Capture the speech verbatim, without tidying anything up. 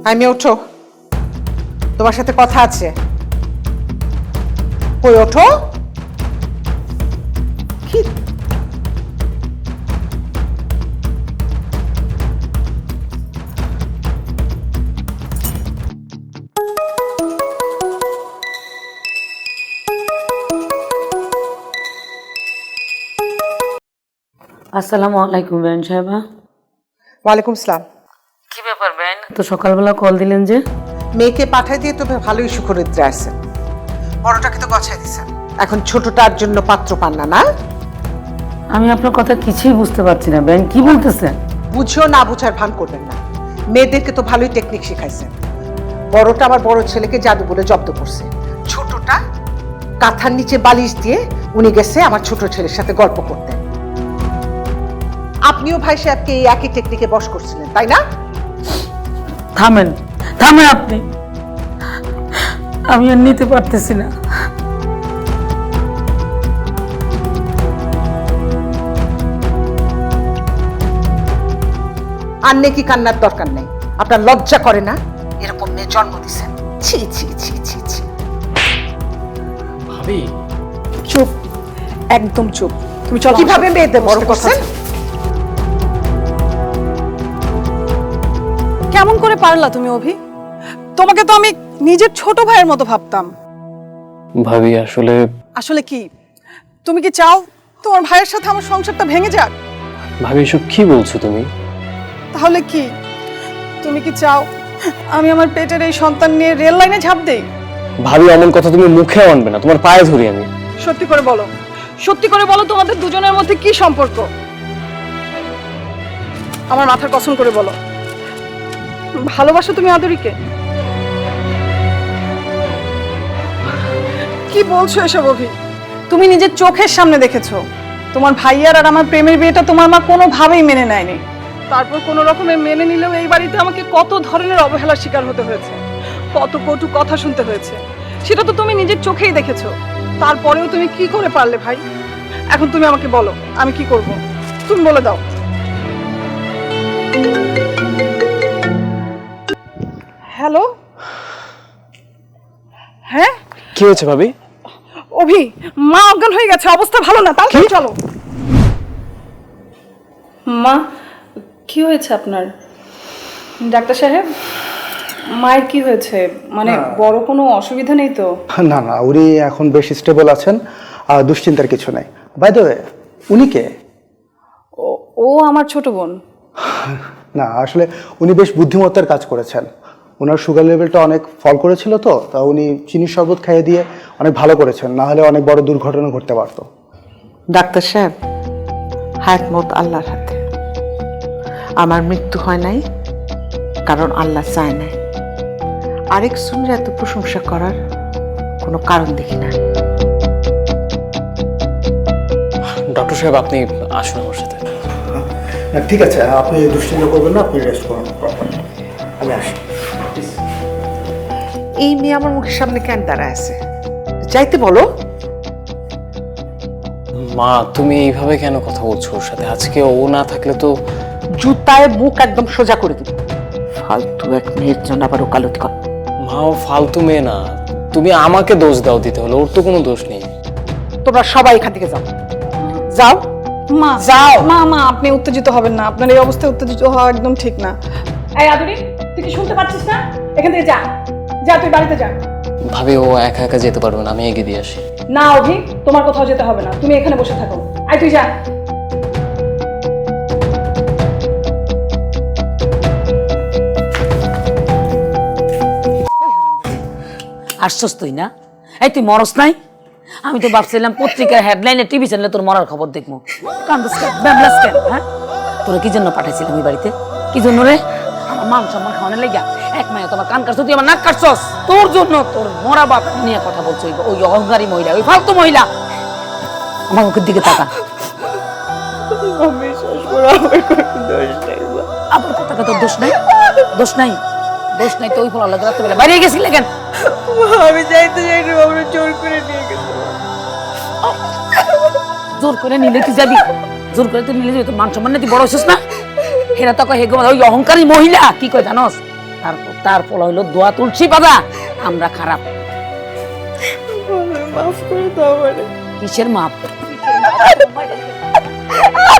আমি ওঠো, তোমার সাথে কথা আছে। কই ওঠো। কি আসসালামু আলাইকুম বেন সাহেবা। ওয়ালাইকুম সালাম। কি ব্যাপার বেন, তো সকালবেলা কল দিলেন যে? মেয়েকে পাঠাই দিয়ে তো ভালোই সুখরিদ্রে আছে, বড়টাকে তো গছাই দিছেন, এখন ছোটটার জন্য পাত্র পান না। না আমি আপনার কথা কিছুই বুঝতে পারছি না বেন, কি বলতেছেন? বুঝেও না বুঝার ভান করবেন না। মেয়েদেরকে তো ভালোই টেকনিক শিখাইছেন। বড়টা আমার বড় ছেলেকে জাদু বলে জব্দ করছে, ছোটটা কাঁথার নিচে বালিশ দিয়ে উনি গেছে আমার ছোট ছেলের সাথে গল্প করতে। আপনিও ভাই সাহেবকে এই একই টেকনিকে বশ করছিলেন, তাই না? থামেন থামেন আপনি, আমি আর নিতে পারতেছি না। আর নেকি কান্নার দরকার নেই। আপনার লজ্জা করে না এরকম মেয়ে জন্ম দিছেন? ছি ছি ছি ছি ছি। ভাবি চুপ, একদম চুপ। তুমি চলো। কিভাবে মেয়েদের বড় করছেন? কেমন করে পারলা তুমি অভি? তোমাকে তো আমি নিজের ছোট ভাইয়ের মতো ভাবতাম। ভাবি আসলে আসলে কি তুমি কি চাও তোমার ভাইয়ের সাথে আমার সংসারটা ভেঙে যাক? ভাবি এসব কি বলছো তুমি? তাহলে কি তুমি কি চাও আমি আমার পেটের এই সন্তান নিয়ে রেল লাইনে ঝাঁপ দেই? ভাবি এমন কথা তুমি মুখে আনবে না, তোমার পায়ে ধরি আমি। সত্যি করে বলো, সত্যি করে বলো তোমাদের দুজনের মধ্যে কি সম্পর্ক? আমার মাথার কসম করে বলো, ভালোবাসো তুমি আদরিকে? কি বলছো এসব অভি? তুমি নিজের চোখের সামনে দেখেছো তোমার ভাইয়ার আর আমার প্রেমের বিয়েটা তোমার মা কোনোভাবেই মেনে নেয়নি। তারপর কোনো রকমে মেনে নিলেও এই বাড়িতে আমাকে কত ধরনের অবহেলার শিকার হতে হয়েছে, কত কটু কথা শুনতে হয়েছে, সেটা তো তুমি নিজের চোখেই দেখেছো। তারপরেও তুমি কি করে পারলে ভাই? এখন তুমি আমাকে বলো আমি কি করব, তুমি বলে দাও। হ্যালো, হ্যাঁ কি হয়েছে ভাবি? অভি, মা অজ্ঞান হয়ে গেছে, অবস্থা ভালো না, তাড়াতাড়ি চলো। মা কি হয়েছে আপনার? ডাক্তার সাহেব, মায়ের কি হয়েছে? মানে বড় কোনো অসুবিধা নেই তো? না না, উনি এখন বেশ স্টেবল আছেন, আর দুশ্চিন্তার কিছু নাই। বাই দ্য ওয়ে, উনি কে? ও- ও আমার ছোট বোন। না আসলে উনি বেশ বুদ্ধিমত্তার কাজ করেছেন। ওনার সুগার লেভেলটা অনেক ফল করেছিল, তো তা উনি চিনির শরবত খাইয়ে দিয়ে অনেক ভালো করেছেন, না হলে অনেক বড় দুর্ঘটনা ঘটতে পারতো। ডাক্তার সাহেব, হায়াত মত আল্লাহর হাতে। আমার মৃত্যু হয় নাই কারণ আল্লাহ চায় নাই। আরেক শুনলে এত প্রশংসা করার কোনো কারণ দেখি না। ডক্টর সাহেব আপনি আসুন আমার সাথে। ঠিক আছে, আপনি দুশ্চিন্তা করবেন না, আপনি রেস্ট করুন। আমি আসি। এই মেয়ে আমার মুখের সামনে কেন দাঁড়ায় আছে? যাইতে বলো। মা তুমি এইভাবে কেন কথা বলছো ওর সাথে? আজকে ও না থাকলে তো। জুতায় মুখ একদম সোজা করে দিব। ফালতু এক মেয়ের জন্য আবার ওকালতি কর। মা ও ফালতু মেয়ে না, তুমি আমাকে দোষ দাও দিতে হলো, ওর তো কোনো দোষ নেই। তোমরা সবাই এখান থেকে যাও, যাও। মা যাও। মা মা আপনি উত্তেজিত হবেন না, আপনার এই অবস্থায় উত্তেজিত হওয়া একদম ঠিক না। এই আদুরি, তুই কি শুনতে পাচ্ছিস না? এখান থেকে যা, যা তুই বাড়িতে যা। ভাবি ও একা একা যেতে পারবে না, আমি এগিয়ে দিয়ে আসি। না অভি, তোমার কোথাও যেতে হবে না, তুমি এখানে বসে থাকো। আয় তুই যা। আসছস তুই না? এই তুই মরস নাই? আমি তো ভাবছিলাম পত্রিকার হেডলাইনে টিভি চ্যানেলে তোর মরার খবর দেখবো। কান্দস কেন, ব্যাবলাস কেন? হ্যাঁ, তোরা কি জন্য পাঠাইছিলাম এই বাড়িতে? কি জন্য রে? আমার মান সম্মান খাওয়ানোর লেগা? এক মায়ে তোমার কান কাটছ, তুই আমার নাক কাটছস তোর জন্য। তোর মরা বাপ নিয়ে কথা বলছো, ওই অহংকারী মহিলা, ওই ফালতু মহিলা। আমার মুখের দিকে তাকা। আবার কথা কথা দোষ নাই, দোষ নাই, দোষ নাই তো। ওই ফল আল্লাহ রাত্রেবেলা বাইরে গেছিলে কেন? আমি যাইতে যাই না, আমরা জোর করে নিয়ে গেছে। জোর করে নিলে তুই যাবি? জোর করে তুই নিলে যাবি? তোর মান সম্মান তুই বড় হইছিস না? হেরা তো হেগো ওই অহংকারী মহিলা কি কয় জানোস? তারপর তার ফল হইলো দোয়া তুলছি বাবা আমরা খারাপ। মাফ করে দাও আমারে। কিসের মাপ?